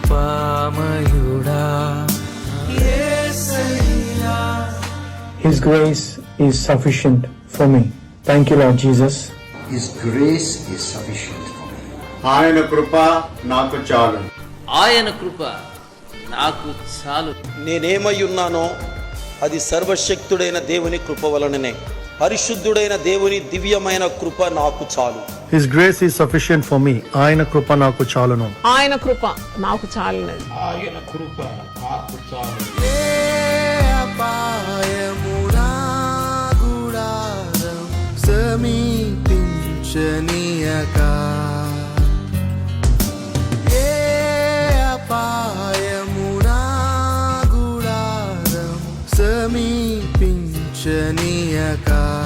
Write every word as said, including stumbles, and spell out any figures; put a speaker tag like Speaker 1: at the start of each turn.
Speaker 1: కృపామయుడా Yesayya.
Speaker 2: His grace is sufficient for me. Thank you, Lord Jesus.
Speaker 3: His grace is sufficient for me.
Speaker 4: ఆయన కృప నాకు చాలు.
Speaker 5: ఆయన కృప నాకు చాలు.
Speaker 6: నేనేమై ఉన్నానో అది సర్వశక్తుడైన దేవుని కృప వలననే. పరిశుద్ధుడైన దేవుని దివ్యమైన కృప నాకు చాలు.
Speaker 2: His grace is sufficient for me. ఆయన కృప నాకు చాలును.
Speaker 7: ఆయన కృప నాకు చాలును.
Speaker 8: ఆయన కృప నాకు చాలు.
Speaker 1: ఏ అపాయమునా గుడారం సమీపించనీయక, ఏ అపాయమునా గుడారం సమీపించనీయక.